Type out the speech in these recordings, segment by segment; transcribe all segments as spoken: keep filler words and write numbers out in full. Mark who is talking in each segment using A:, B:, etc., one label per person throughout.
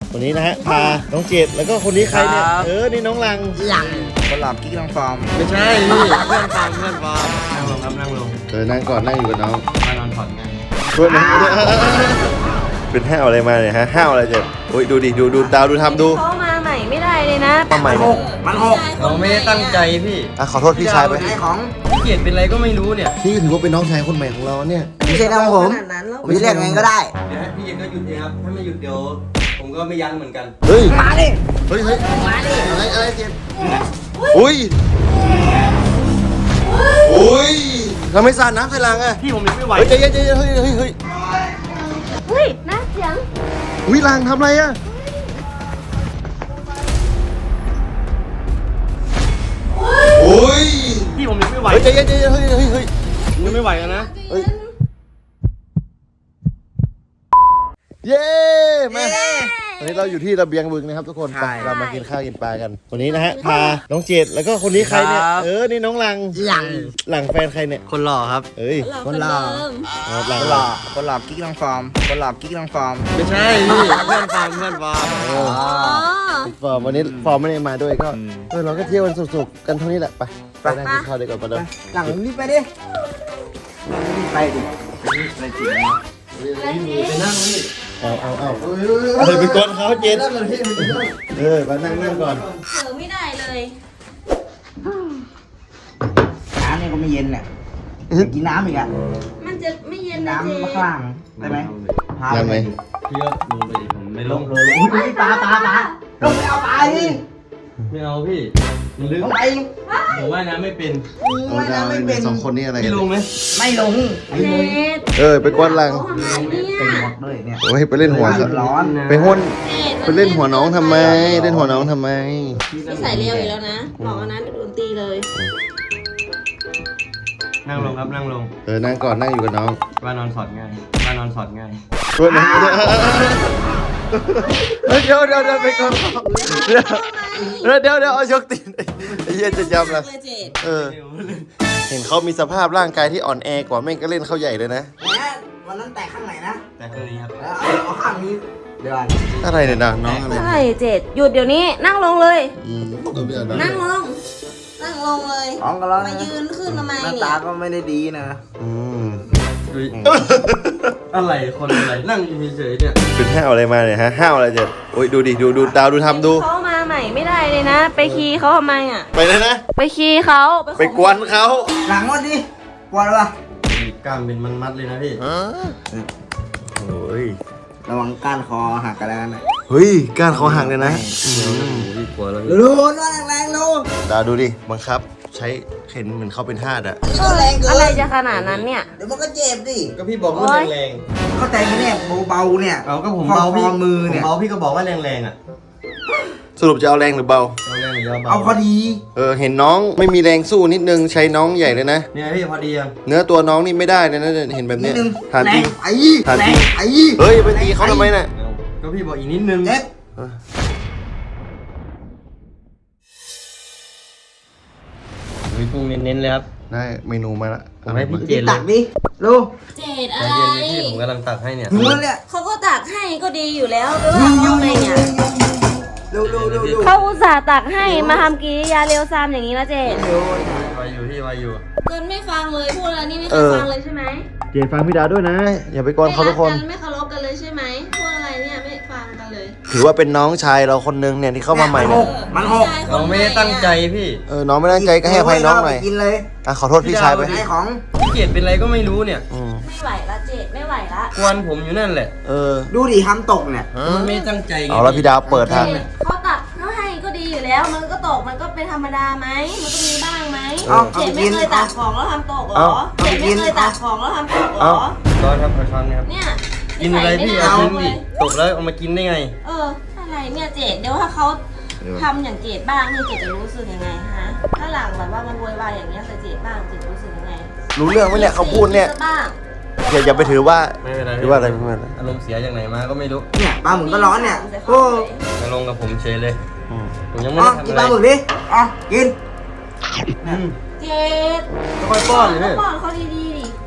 A: วันนี้นะฮะพาน้องเจดแล้วก็คนนี้ใครเนี่ยเออนี่น้องลัง
B: หลังคนหลับกิ๊กลังฟอร์ม
C: ไม่ใช่พี่เพื่อนฟอร์มเพื่อนฟอร์มนั่งลงครับนั่งลง
A: เออนั่งก่อนนั่งอยู่กับน้อง
C: มานอนผ่อนไง
A: ช่วยนะเป็นห้าวอะไรมาเนี่ยฮะห้าวอะไรเจดโอ้ยดูดิดูดูดาวดูทำดู
D: เขามาใหม่ไม่ได้เลยนะ
A: มาใหม่
B: หกมันหก
C: เราไม่ได้ตั้งใจพี่
A: อ่ะขอโทษพี่ชายไป
B: ไอ้ของ
C: พี่เกียรติเป็นอะไรก็ไม่รู้เนี่ย
A: พี่ก็ถือว่าเป็นน้องชายคนใหม่ของเราเนี่ย
B: ไม่ใช่น้องผมผมจะเรียกไงก็ได้
C: เดี๋ยวให้พี่เกียรติก็หยุดเองครับถ้าไม่หยุดเดี๋ยวผมก็ไม่ยั้งเหมือนกัน
A: เฮ้ย
B: มาดิ
A: เฮ้ยเฮ้ย
B: มาดิ
A: อะไรอะไรเจดอุ้ยอุ้ยเราไม่สาดน้ำใส่ลังอ่ะ
C: พี่ผมยังไม่ไหว
A: เฮ้ยใจเย็นใจเย็นเฮ้ยเฮ้ยเฮ้ย
D: เฮ้ยน่าเสียง
A: อุ้ยลังทำอะไรอ่ะอุ้ย
C: พี่ผมยังไม่ไหว
A: เฮ้ยใจเย็นใจเย็นเฮ้ยเฮ้ยเฮ้ย
C: ผมยังไม่ไหวแล้วนะ
A: เฮ้ยเย้มาวันนี้เราอยู่ที่ระเบียงบึงนะครับทุกคนไปเรามากินข้าวกินปลากันวันนี้นะฮะพาน้องเจดแล้วก็คนนี้ใครเนี่ยเออนี่น้องลัง
B: หลัง
A: หลังแฟนใครเนี่ย
C: คนหล่อครับ
A: เอ้ย
B: คนหล่อ
A: อ๋อหลัง
B: คนหลับคนหลับกิ๊กลังฟอร์มคนหลับกิ๊กลังฟอร์ม
C: ไม่ใช่พี่เพื่อนฟอร์มเพื่อนฟอร์ม
A: เออฟอร์มวันนี้ฟอร์มไม่ได้มาด้วยก็เออเราก็เที่ยวกันสุกๆกันเท่านี้แหละไปไปนั่งกินข้าวดีกว่ามาเดิม
B: หลังรีบไปดิรีบไปดิไปดิ
C: ไปนั่งนี่
A: เอาเอาเอาเฮ้ยไปกดเขาเจดเออมานั่งนั่งก่อน
D: เผลอไม่ได้เลย
B: น้ำเนี่ยก็ไม่เย็นเนี่ยกินน้ำอีกอ่ะ
D: มันจะไม่เย็นนะ
B: น้ำ
D: เจ๊
B: มะข้างได้ไหมพา
A: นั่งไหม
C: พี่ก็ลงไปดิผมไม่ล
B: ล
C: ง
B: งเลยอุ้ยปลาปลาปลาลงไปเอาปลาดิ
C: ไม่เอาพี่มันลึก
B: ลงไป
C: ผมว่ายน้ำไม่เป็น
A: เอาดาวในสองคนนี้อะไรกั
C: พี่
A: น
C: ลงไหม
B: ไม่ลงไม่
D: เจ
B: ลง
D: ด
A: เออไปกวนลัง
D: เขาทำไมเนี่ย
B: เป็นหมดเลยเนี่ย
A: โอ้ยไปเล่นหัวซะ
B: ร้อน
A: ไปห้น
D: เจด
A: ไปเล่นหัวน้องทำไม เล่นหัวน้องทำไม
D: นิสัยเร็วอีกแล้วนะบอกอันนั้นโดนตีเลย
C: นั่งลงครับนั่งลง
A: เออนั่งก่อนนั่งอยู่กับน้อง
C: ว่านอนสอดง่ายว่านอนสอดง่าย
A: ช่วยนะเดี๋ยวเดี๋ยวเดี๋ยวไปก่อนเดี๋ยวเดี๋ยวเดี๋ยวเอายกตีนไอ้เหี้ยจะจำละ
D: เลยเจด
A: เออ เห็นเขามีสภาพร่างกายที่อ่อนแอกว่าแม่งก็เล่นเขาใหญ่เลยนะ
B: แหมวันนั้นแตกข้างไหนนะ
C: แต่ข้างนี้ครับ
B: แล้วเอาเอาข้างนี้เดี๋ยวก่อน
A: อะไรเนี่ยนะน้องอะไร
D: ใช่เจดหยุดเดี๋ยวนี้นั่งลงเลย
A: อืมตัวเบี้ยนะ
D: นั่งลง นั่งลงเลย
B: ท้องก็ร้อน
D: มายืนขึ้นทำไม
B: หน้า
D: เนี่
B: ตาย ก็ไม่ได้ดีนะ
A: อืม
C: อุ๊ยอะไรคนอะไรนั่งอยู่เฉยๆเนี่ย
A: เป็นห้าวอะไรมาเนี่ยฮะห้าวอะไรเจ็ดโอ้ยดูดิดูดูดาวดูทำดู
D: เขามาใหม่ไม่ได้เลยนะ ไปคีย์เขาทำไมอ่ะ
A: ไปเลยนะ
D: ไปคีย์เขา
A: ไปกวนเขา
B: หลังวันดิปวดปะ
C: กล้ามเป็นมันมัดเลยนะพี่
A: โอ้ย
B: ระวังก้านคอหักกันแล้วนะ
A: เฮ้ยก้านเขาหักเลยนะ
C: พี่กลัวแล้ว
B: ดูดูว่าแรงๆดู
A: ดาวดูดิบังคับ ใช้เข็นเหมือนเขาเป็นทาสอะ
B: ก็แรงเกิน
D: อะไรจะขนาดนั้นเนี่ย
B: เดี๋ยวมันก็เจ็บดิ
C: ก็พี่บอกว่าแรง
B: เข้าใจไหมเนี่ยเบาๆเนี่ย
C: ๆเอาก็ผมเบาพี่
B: คอมือเนี่ย
C: ผมเบาพี่ก็บอกว่าแรงๆอ่ะ
A: สรุปจะเอาแรงหรือเบา
C: เอาแรงหรือยาเบา
B: เอาพอดี
A: เออเห็นน้องไม่มีแรงสู้นิดนึงใช้น้องใหญ่เลยนะ
C: เนี่ยพี่พอดียัง
A: เนื้อตัวน้องนี่ไม่ได้เลยนะเห็นแบบ
B: นิ
A: เนี้
B: ด
A: ย
B: นึง
A: ถาม
B: แร
A: จริ
B: ง
A: ง
B: ไอ้
A: ถาม
B: แร
A: จริ
B: ง
A: ง
B: ไอ้
A: เฮ้ยไปตีเขาทำไมน่ะ
C: ก็พี่บอกอีกนิดนึง
B: เจ็บ
C: มีปรุงเน้นๆเลยครับ
A: ได้เมนูมาละ
C: ผมให้พี่เจ
B: ดิ
C: นเล
B: ตั
C: ย
B: กดิลู
D: เจดอะ
C: ใจ
D: ไร
C: เย็นเลยพี่ผมกำลังตักให้เนี่ย
B: หิวแล้วเนี่ย
D: เขาก็ตักให้ก็ดีอยู่แล้วไปว่าเขาทำไมเนี่ย
B: ดูดูดูดู
D: เขาอุตส่าห์ตักให้มาทำกิริยาเร็วซามอย่างนี้นะเจด
C: วาอยู่พี่วาอยู่
D: เกินไม่ฟังเลยพูดอะไรนี่ไม่เคยฟังเลยใช่ไหม
A: เจนฟังพี่ดาวด้วยนะ อย่าไปกวนเขาทุกคน
D: ไม่รัไม่เคารพกันเลยใช่ไหมพูดอะไรเนี่ยไม่ฟังกันเลย
A: ถือว่าเป็นน้องชายเราคนนึงเนี่ยที่เข้ามาใหม่เนี่ย
B: มันหก
C: เราไม่ได้ตั้งใจพี่
A: เออน้องไม่ตั้งใจก็ให้อภัยน้องหน่อย
B: กินเลย
A: อ่ะขอโทษพี่ชายไป
B: ไอ้ของ
C: พี่เกียรติเป็นอะไรก็ไม่รู้เนี่ย
A: อืม
D: ไม่ไหวละเจดไม่ไหวละ
C: กวนผมอยู่นั่นแหละ
A: เออ
B: ดูดิทำตกเนี่ย
C: มันไม่ได้ตั้งใจไง
A: เอาแล้วพี่ดาวเปิดทาง
D: เจดเขาตักเขาให้ก็ดีอยู่แล้ว มันก็ตกมันก็เป็นธรรมดาไหมมันก็มีบ้างไหม
B: เอา
D: เจดไม่เคยตักของแล้วทำตกเหร
A: เอา
D: อเจดไม่เคยตักของแล้วทำตกเหรอ
C: ร้อนครับขอช้อนนะครับ
D: เนี่ย
C: กินอะไรพี่
D: นิสั
C: เอา
D: ย
C: ทิ้ง
D: ไม่
C: ดิ
D: น่า
C: ตกแล้วเอามากินได้ไง
D: เอออะไรเนี่ยเจดเดี๋ยวถ้าเขาทำอย่างเจดบ้างนี่เจดจะรู้สึกยังไงฮะถ้าหลังแบบว่ามันโวยวายอย่างเงี้ยใส่เจดบ้างเจดรู้สึกยังไง
A: รู้เรื่องไหมเนี่ยเขาพูดเนี่ย
D: บ้าง
A: อย่าอย่าไปถือว่า
C: ไม่เป็นไร
A: หรือว่าอะไรไม่เป็นไร
C: อารมณ์เสียจากไหนมาก็ไม่รู้
B: เนี่ยปลาหมึกก็ร้อนเนี่ยโอ้
C: มาลงกับผมเฉยเลย
A: อืม
C: ผมยังไม่
B: อ๋อ
C: ได้ทำ
B: กิน
C: อะไร
B: ปลาหมึกดิอ๋อกิน
C: อืม
D: เจด
C: ค่อยๆป้อนเลยพี่
D: ป้อนเขาดีๆดิ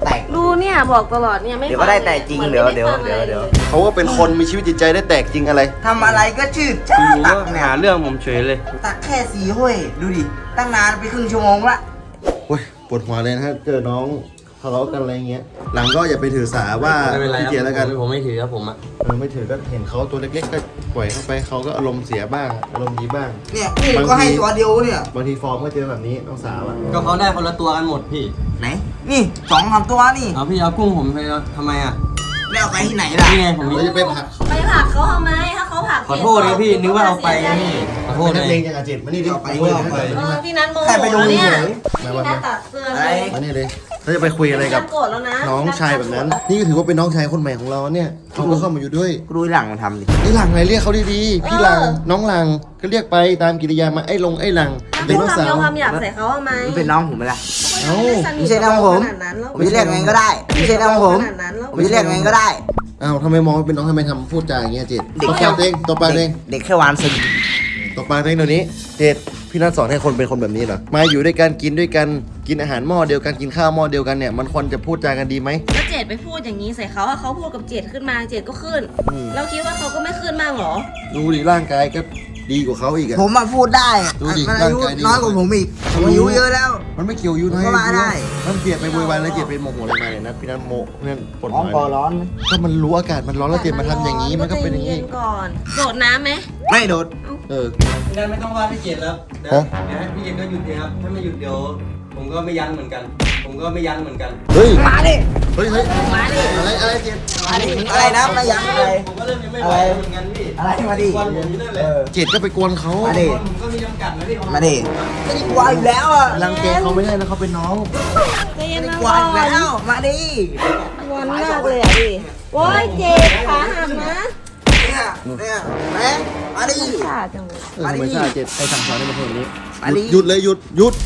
B: แตก
D: รู้เนี่ยบอกตลอดเนี่ยไม่
B: เดี๋ยวก็ได้แตกจริง
D: หมือน
B: เดี๋ยว
D: ไม่
B: เดี๋ยว
D: ฟัง
B: เดี๋ยว
D: ล
B: เดี๋ยว
A: เขาก็เป็นคนมีชีวิตจิตใจได้แตกจริงอะไร
B: ทำอะไรก็ชืดจ้า
C: อยู่
B: ตั
C: ก็
B: กเนี่ย
C: หาเรื่องผมเฉยเลย
B: ตักแค่สี่ห้วยดูดิตั้งนานไปครึ่งชั่วโมงละ
A: โอ้ยปวดหัวเลยนะฮะเจอน้องทะเลาะกันอะไรเงี้ย หลังก็อย่าไปถือสาว่า
C: ไม่เป็นไร
A: พี่
C: ครับ
A: เจแล้วกัน
C: ผมผมไม่ถือครับผมอะ
A: เออไม่ถือก็เห็นเขาตัวเล็กๆก็ปล่อยเข้าไปเขาก็อารมณ์เสียบ้างอารมณ์ดีบ้าง
B: เนี่ยนี่ก็ให้ตัวเดียวเนี่ย
A: บางทีฟอร์มก็เจอแบบนี้น้องสาวอะ
C: ก็เขาได้คนละตัวกันหมดพี่
B: ไหนนี่สองสามตัวนี่
C: เอาพี่เอากุ้งผมไปแล้วทำไมอะ
B: ไม่เอาไปที่ไหนล่ะ
C: นี่ไงผมมี
A: เราจะไปผลัก
D: ไปผลักเขาทำไมถ้าเขาผลัก
C: ขอโทษนะพี่นึกว่าเอาไปนะพี่ขอโทษ
A: นั
C: นะ
A: กเลงอย่างอาเจ็ดมานี่ดิ
B: เอาไป
A: คุย
B: เอาไป
D: เออพี่นัทโมโห
B: แค่ไปดู
D: เนี่ย
B: เฉย
D: พี่นัทตัดเสื้อ
B: อะไร
D: เลย
A: มานี่เลยเราจะไปคุยอะไรกับ
D: พี่นัทโกรธแล้วนะ
A: น้องชายแบบนั้น นี่ก็ถือว่าเป็นน้องชายคนใหม่ของเราเนี่ยเขาก็เข้ามาอยู่ด้วย
B: กูดูหลังมันทำดิ
A: ไอ้หลังไหนเรียกเขาดีๆพี่หลังน้องหลังก็เรียกไปตามกิริยามาไอ้ลงไอ้หลัง
D: แล้ว
A: เป็น
D: พู
A: น้
D: ด
A: องสา
D: คำ
A: ว
D: เดียวคำหยาบใส่เขาทำไม
B: มันเป็นน้องผมไหมล่ะ
A: เอ้า
B: ไม่ใช่น้องผม
D: ขนาดนั้นแล้ว
B: ผมจะเรียกไงก็ได้ไม่ใช่น้องผม
D: ขนาดนั้นแล้ว
B: ผมจะเรียกไงก็ได้
A: อ้าวทำไมมองว่าเป็นน้องทำไมทำพูดจาอย่างเงี้ยเจ็ด
B: เด็ก
A: ตบปากเองตบปากเอง
B: เด็กแค่วานซึง
A: ตบปากเองเดี๋ยวนี้เจ็ดพี่นัทสอนให้คนเป็นคนแบบนี้เหรอมาอยู่ด้วยกันกินด้วยกันกินอาหารหม้อเดียวกันกินข้าวหม้อเดียวกันเนี่ยมันควรจะพูดจากันดีไหม
D: แล้วเจดไปพูดอย่างนี้ใส่เขาอะเขาพูดกับเจดขึ้นมาเจดก็ขึ้น
A: อืม
D: เราคิดว่าเขาก็ไม่ขึ้นบ้างเหรอ
A: ดูดิร่างกายก็ดีกว่าเขาอีกอะ
B: ผมมาพูดได้
A: ดูดิ
B: มันอายุ
A: ร่างกายดี
B: น้อยกว่าผมอีกผมอายุเยอะแล้ว
A: มันไม่เกี่ยวอายู่นะ
B: ก็มาได้
A: มันเกลียดไปโวยวายแล้วเกลียดไปโมโหอะไรมาเนี่ยนะพี่นัทโมพี่นัทปวด
B: ร้
A: หั
B: อง
A: ว
B: คอร้อนนะ
A: ก็มันรู้อากาศมันร้อนแล้วเจ็บมาทำอย่างนี้มันก็เป็นอย่างนี้
D: นี้ก่อนโดดน้ำไหม
B: ไม่โดด
A: เออ
C: พี่นัทไม่ต้องว่าพี่เจตแล้วเดี๋ยว
A: ฮะ
C: เดี๋ยวให้พี่เจตก็หยุดเลยครับถ้าไม่หยุดเดี๋ยวผมก็ไม่ยั้งเหมือนกัน ผมก็ไม่ยั้งเหมือนกัน
A: เฮ้ย
B: มาดิ
A: เฮ้ยเฮ้ย
D: มาดิ
A: อะไรอะไรเจ็บ
B: มาดิอะไรนะไม่ยั้งอะไร
C: ผมก็เริ่มยังไม่ไหวเหมือนกันพี่
B: อะไรมาดิ
C: วันผมนี่นั่นแหละ
A: เจ็ดก็ไปกวนเขา
B: มาดิ
C: ผมก็มีจำกัดนะพี่
B: มาดิไม่ได้กลัวอยู่แล้วอ่ะ
A: รังแกเขาไม่ได้นะเขาเป็นน้อง
D: ใจเย็น
B: ไม่
D: นะ
B: ได้กลัวอยู่แล้วมาดิ
D: งอนมากเลยอ่ะดิโว้ยเจดขาหักนะ
B: เนี่ยเนี่ยแม่มาดิ
D: ขาดจังเลย
A: เออทำไมชาเจ็ดไอ้สั่งสอนให้มาพูดแบบนี้
B: มาดิ
A: หยุดเลยหยุดหยุด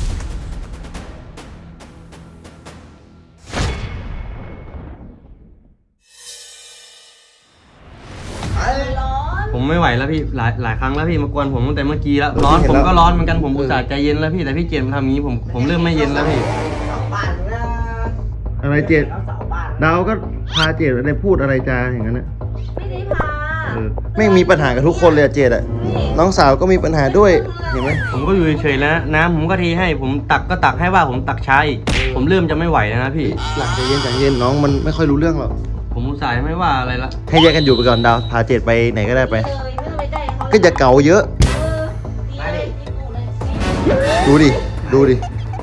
D: ร้อน
C: ผมไม่ไหวแล้วพี่หลายหลายครั้งแล้วพี่มากวนผมตั้งแต่เมื่อกี้แล้วร้อนผมก็ร้อนเหมือนกันผมอุตส่าห์ใจเย็นแล้วพี่แต่พี่เจตมาทำอย่างนี้ผมผมเริ่มไม่เย็นแล้วพี่
B: สาวบ้านนะ
A: อะไรเจ็ด
B: สาวบ้าน
A: ดาวก็พาเจ็ดอะไรพูดอะไรจาอย่างนั้นนะ
D: ไม่ได้พา
A: เออไม่งมีปัญหากับทุกคนเลยอะเจ็ดอะน้องสาวก็มีปัญหาด้วยเห็นไหม
C: ผมก็อยู่เฉยๆแล้วนะน้ำผมก็เทให้ผมตักก็ตักให้ว่าผมตักช้าอีกผมเริ่มจะไม่ไหวแล้วนะพี่
A: หลังใจเย็นใจเย็นน้องมันไม่ค่อยรู้เรื่องหรอก
C: ผมอุตส่าห์ไม่ว่าอะไรละ
A: ให้แยกกันอยู่ไปก่อนดาวพาเจ็ดไปไหนก็ได้ไป
D: เลยไม่ต้องไปใกล้เขา
A: ก็อย่าเก่าเยอะ
D: เออดีเลยดีกูเลย
A: ดูดิดูดิ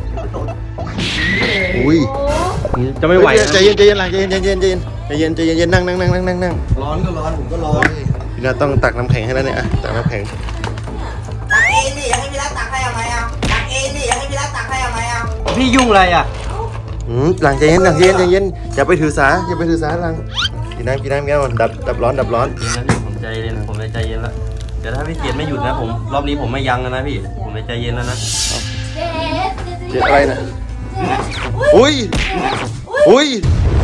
A: อุ้ย
D: โอ้
C: จะไม่ไหว
A: เฮ้ย
C: นะ
A: ใจเย็นใจเย็นหลังใจเย็นใจเย็นใจเย็นใจเย็นใจเย็นใจเย็นนั่งนั่งนั่งนั่งนั่งนั่ง
C: ร้อนก็ร้อนผมก็ร้อน
A: พี่นาต้องตักน้ำแข็งให้แล้วเนี่ยอะตักน้ำแข็ง
B: ตักเองดิอยากให้พี่รักตักให้เอาไหมอ่ะตักเองดิอยากให้พี่รักตักให้เอาไหมอ่ะ
C: พี่ยุ่งอะไรอ่ะ
A: อืมหลังใจเย็นหลังใจเย็นใจเย็นอย่าไปถือสาอย่าไปถือสาหลังกินน้ำกินน้ำกินน้ำดับดับร้อนดับร้อน
C: เย็นนะพี่ผมใจเย็นผมใจเย็นแล้วเดี๋ยวถ้าพี่เจตไม่หยุดนะผมรอบนี้ผมไม่ยั้งแล้วนะพี่ผมใจเย็นแล้วนะ
D: เจ๊เจ๊
A: เจ็บอะไรนะอุ้ยอุ้ย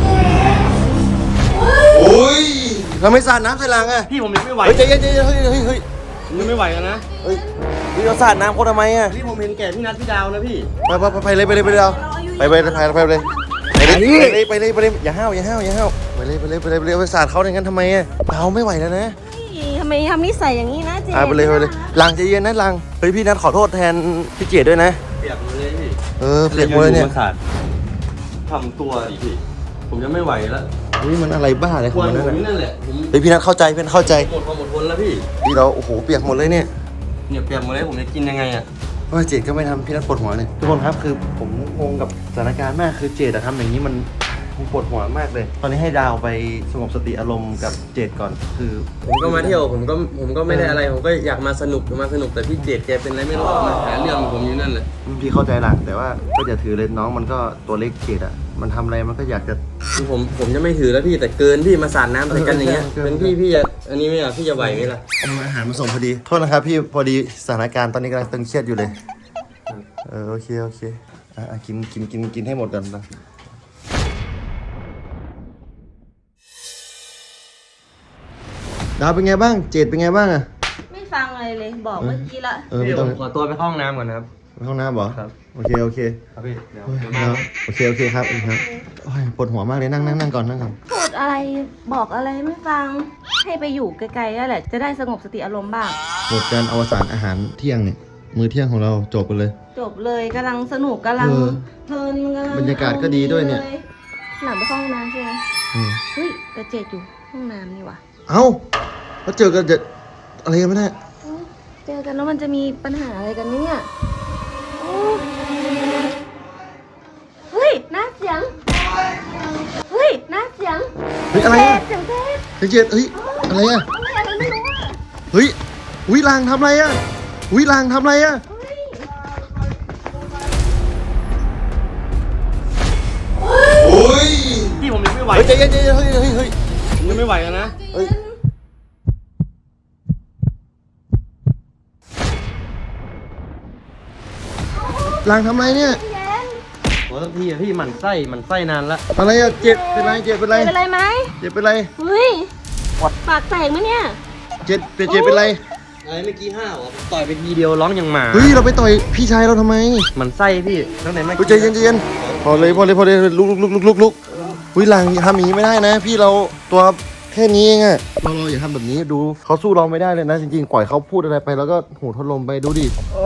A: อุ้ยทำไมสาดน้ำใส่หลังอะ
C: พี่ผมยังไม่ไหว
A: เฮ้ยใจเย็นใจเย็นเฮ้ยเฮ้ยเฮ้ย
C: ผมยังไม่ไหวกันนะ
A: เฮ้ยพี่เราสาดน้ำเขาทำไมอะ
C: พี่ผมเห็นแก่พี่นัทพี่ดาวนะพี่
A: ไปไปไปเลยไปเลยไปเลยไปไปไปไปไปเลยไปเลยไปเลยไปเลยอย่าห้าวอย่าห้าวอย่าห้าวไปเลยไปเลยไปเลยไปเลยไปสาดเขาอย่างนั้นทำไมอะเราไม่ไหวแล้วนะ
D: ทำไมทำนิสัยอย่างนี้นะเจ๊
A: อ่าไปเลยไปเลยลังใจเย็นนะลังเฮ้ยพี่นัทขอโทษแทนพี่เจดด้วยนะ
C: เปียกหมดเลยพี่
A: เออเปียกหมดเลยเนี่ย
C: มาสาดทำตัวดิพี่ผมจะไม่ไหวแล้ว
A: เฮ้ยมันอะไรบ้าอะไรข
C: ค
A: อง
C: วร
A: มัน
C: ผ
A: นั่น
C: ม
A: น่ะ
C: นี่นั่นแหละผม
A: เฮ้ยพี่นัทเข้าใจเพื่อนเข้าใจ
C: หมดความอดทนแล้วพี่
A: พี่เราโอ้โหเปียกหมดเลยเนี่ย
C: เนี่ยเปียกหมดเลยผมจะกินยังไงอ่ะ
A: ว่าเจดก็ไม่ทำพี่นัทปวดหัวเลยทุกคนครับคือผมงงกับสถานการณ์มากคือเจดอะทำอย่างนี้มันผมปวดหัวมากเลย ตอนนี้ให้ดาวไปสงบสติอารมณ์กับเจดก่อนคือ
C: ผมก็มาเที่ยวผมก็ผมก็ไม่ได้อะไรผมก็อยากมาสนุกมาสนุกแต่พี่เจดแกเป็นอะไรไม่รู้มาหาเรื่องผมอยู่นั่นแหละ
A: พี่เข้าใจหลังแต่ว่าก็อย่าถือเลยน้องมันก็ตัวเล็กเจดอะมันทำอะไรมันก็อยากจะ
C: คือผมผมจะไม่ถือแล้วพี่แต่เกินพี่มาสาดน้ำใส่กันอย่างเงี้ย
A: เกิน
C: เป็นพี่พี่จะอันนี้ไหมอ่ะพี่จะไหวไหมล่ะ
A: เอาอาหารมาส่งพอดีโทษนะครับพี่พอดีสถานการณ์ตอนนี้กำลังตึงเครียดอยู่เลยเออโอเคโอเคอ่ะอ่ะกินกินกินกินให้หมดกันนะดาวเป็นไงบ้างเจดเป็นไงบ้างอะ
D: ไม่ฟังอะไรเลยบอกเมื่อกี้ละ
A: เออ
C: พี่
A: ไม่
C: ผ
A: ต้อง
C: มขอตัวไปเข้าห้องน้ำก่อนนะครับ
A: เไปห้องน้ำเหรอ
C: ครับ
A: โอเคโอเค
C: ครับพี่เดี๋ยว
A: โอ้ย
C: เดี๋ยวมา
A: ครับโอเคโอเคครับครับโอ้ยปวดหัวมากเลยนั่งนั่งนั่งก่อนนั่งก่อน
D: พูดอะไรบอกอะไรไม่ฟังให้ไปอยู่ไกลๆนั่นแหละจะได้สงบสติอารมณ์บ้าง
A: หมดการอวสานอาหารเที่ยงเนี่ยมื้อเที่ยงของเราจบไปเลย
D: จบเลยกำลังสนุกกำลัง
A: เออ
D: เพลินกำลัง
A: บรรยากาศก็ดีด้วยเนี่ย
D: หลังไปเข้าห้องน้ำใช่ไหม
A: อืม
D: เฮ้ยแต่เจ็ดอยู่ห้องน้ำนี่ว่ะ
A: เอ้าแล้วเจอกันจะอะไรกันไม่ได้
D: อุ๊ยเจอกันแล้วมันจะมีปัญหาอะไรกันเนี่ยโอ้เฮ้ยน่าเสียงเฮ้ยน่าเสียง
A: เฮ้ยอะไรอะ
D: เสียงเทพ
A: เฮ้ยเจ็ดเฮ้ยอะไรอะ
D: อะไรอะไรไม่รู้อ่ะ
A: เฮ้ยอุ้ยลางทำอะไรอะอุ้ยลางทำอะไรอะ
D: เฮ้ย
A: โอ้ย
C: พี่ผมยังไม่ไหว
A: เฮ้ยใจเย็นใจเย็นเฮ้ยเฮ้ยเฮ้ย
C: ผมยังไม่ไหวกันนะ
A: เฮ้ยลางทำอะไรเนี่ย
D: พี่แย้ม
C: โอ้ทั้งทีอะพี่หมั่นไส้หมั่นไส้นานละ
A: อะไรอะเจ็บเป็นไรเจ็บเป็นไร
D: เป็นไรไหม
A: เจ็บเป็นไร
D: เฮ้ยปากแตกไหมเนี่ย
A: เจ็บเจ็บเจ็บเป็นไร
C: อะไรเมื่อกี้ห้าวอ่ะต่อยไปทีเดียวร้องอย่างหมา
A: เฮ้ยเราไปต่อยพี่ชายเราทำไม
C: หมันไส้พี่ตั้งแต่เมื่อ
A: เฮ้ย
C: กี้
A: ใจเย็นใจเย็นพอเลยพอเลยพอเลยลุกลุกลุกลุกลุกอุ้ยหลังอย่าทำอย่างนี้ไม่ได้นะ พี่เราตัวแค่นี้เองอะเราเราอย่าทำแบบนี้ดูเขาสู้เราไม่ได้เลยนะ จริงๆปล่อยเขาพูดอะไรไปแล้วก็หูทดลมไปดูดิ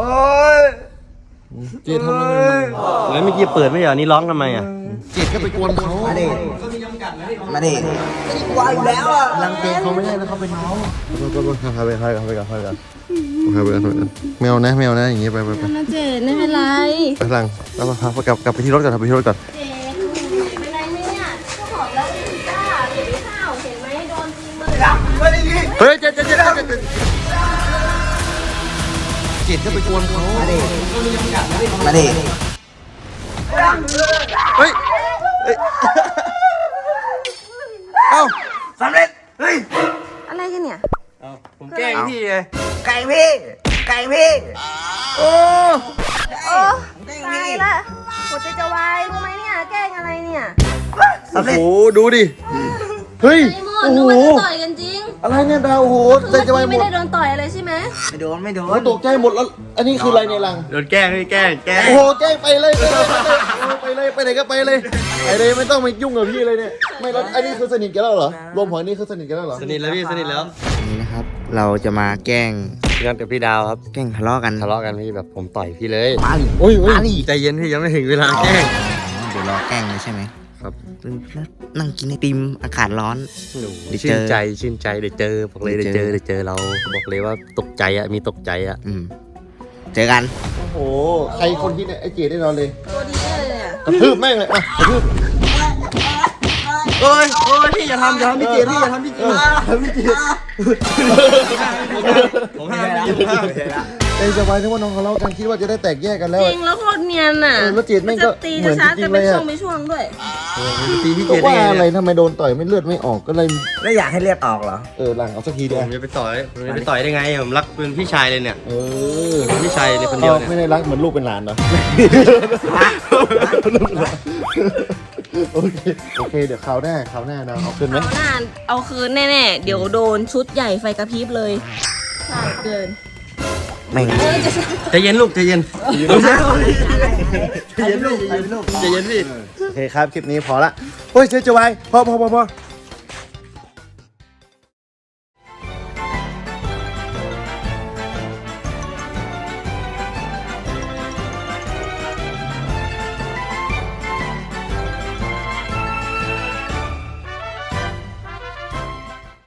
A: เจดทำอะไร
C: แล้วเมื่อกี้เปิดไม่เหรอนี่ร้องทำไมอ่ะ
A: เจดก็ไปกวนเขา
B: มาดิมาดิกลัวอยู่แล้วอ่ะ
A: ลังเกเขาไม่ได้นะเขาเป็นน้องก็ก็ก็พาไปพาไปพาไปกันพาไปกันพาไปกันพาไปกันแมวนะแมวนะอย่างงี้ไปไปไป
D: นะเจดไม่เป็นไร
A: ไปหลังแล้วพากลับกลับไปที่รถก่อนกลับไปที่รถก่อน
D: เจดเป็นไรไหมเนี่ยก็บอกแล้วไม่กล้าเห็นข้าวเห็นไหมโดนจริงเลย
A: เฮ้ยเจดเจดเจดเจดเจดเจดก็ไปกวนเขา
B: มาดิมาดิ
A: เฮ้ยเฮ้ยเอ้า
B: สำเร็จเฮ้ย
D: อะไรกันเนี่ย
C: ผมแกล้งพี่ไง
B: ไก่พี่ไก่พี่โอ้
D: โอ้ตายละหัวใจจะวายรู้ไหมเนี่ยแกล้งอะไรเนี่ย
A: โอ้โหดูดิเฮ้ย
D: ไอ้หมด
A: โอ้
D: นึ
A: โห
D: กว่าจะต่อยกันจริง
A: อะไรเนี่ยดาวโอ้โหใจ
D: เมื่อ
A: จะวาย
D: กี้
A: หม
D: ไม่
A: ด
D: ได้โดนต่อยอะไรใช่ไหม
B: ไม่โดนไม่โด
A: โอ้
B: น
A: ตกใจหมดแล้วอันนี้คืออะไรในรัง
C: โดนแกล้งพี่แกล้งแกล้ง
A: โอ้โหแกล้งไปเลยไปเลยไปเลยไปเลยไปไหนก็ไปเลยไปเลยไม่ต้องมายุ่งกับพี่เลยเนี่ยไม่แล้วอันนี้คือสนิทกันแล้วเหรอรวมหัวนี่คือสนิทกันแล้วเหรอ
C: สนิทแล้วพี่สนิทแล้ว
B: นี่นะครับ เราจะมาแกล้ง
C: งานกับพี่ดาวครับ
B: แกล้งทะเลาะกัน
C: ทะเลาะกันพี่แบบผมต่อยพี่เลย
B: มาดิ
C: อุ้ยอุ้ย
B: มาดิ
C: ใจเย็นพี่ยังไม่ถึงเวลาแกล้ง
B: เดี๋ยวรอแกล้งเลยใช่ไหม
C: ครับ
B: นั่งกินไอติมอากาศร้อน เดี๋ยวเจ
C: ชื่
B: อ
C: นใจชื่นใจเดี๋ยวเจอบอกเลย
B: เดี๋
C: เดี๋
B: ย
C: ยว ว
B: เจ
C: เจ
B: อ
C: อเดี๋ยวเจอเราบอกเลยว่าตกใจอะมีตกใจอะ
B: อืมเจอกัน
A: โอ้โหใครคนคิดเนี่ยไอ้เจดได้นอนเลย
D: ตัวดีเลยอ่ะ
A: กระทืบแม่งเลยมากระทืบ
C: โอ้ยโอ้ยพี่อย่าทำอย่าทำพี่เจพี่อย่าทำพี่เจ
A: ทำพี่เจด
C: ผมห้ามพี่ผมห้าม
A: ใจสบายนึกว่าน้องทะเลาะกันคิดว่าจะได้แตกแยกกันแล้ว
D: จริงแล้วโคตรเนียนอ่ะ
A: เออแล้วเจดแม่งก็
D: จะตี
A: เหมื
D: จะ
A: อน
D: ชาร์จ
A: จริ
D: กัน
A: งๆ
D: เป็น
A: เลย
D: ช่
A: อะ
D: วงเป็นช่วงด้วย
C: ตีพี่เจ
A: ก็
C: ได้
A: ว่า
C: ไง
A: อะไร
C: เนี่ย
A: ทำไมโดนต่อยไม่เลือดไม่ออกก็เลย
B: แล้วอยากให้เลือดออกเหรอ
A: เออหลังเอาสักที
C: ผ
A: เดียว
C: มจะไปต่อยผมจะไปต่อยได้ไงผมรักเป็นพี่ชายเลยเนี่ย
A: เออ
C: เป็นพี่ชายเลยคนเดียวเนี่ย
A: ไม่ได้รักเหมือนลูกเป็นหลานเหรอโอเคโอเคเดี๋ยวคราวหน้าคราวหน้านะเอาขึ้นไหม
D: เอาหน้าเอาคืนแน่ๆ เดี๋ยวโดนชุดใหญ่ไฟกระพริบเลยใช่เกิน
B: แม่ง
D: เอ้ยจะ
C: ใจเย็นลูกใจเย็นใจเย็นลูกใจเย็นลูกใจเย็นพี่
A: โอเคครับคลิปนี้พอละโอ้ยเจ๊จะไว้พอพอพอพอ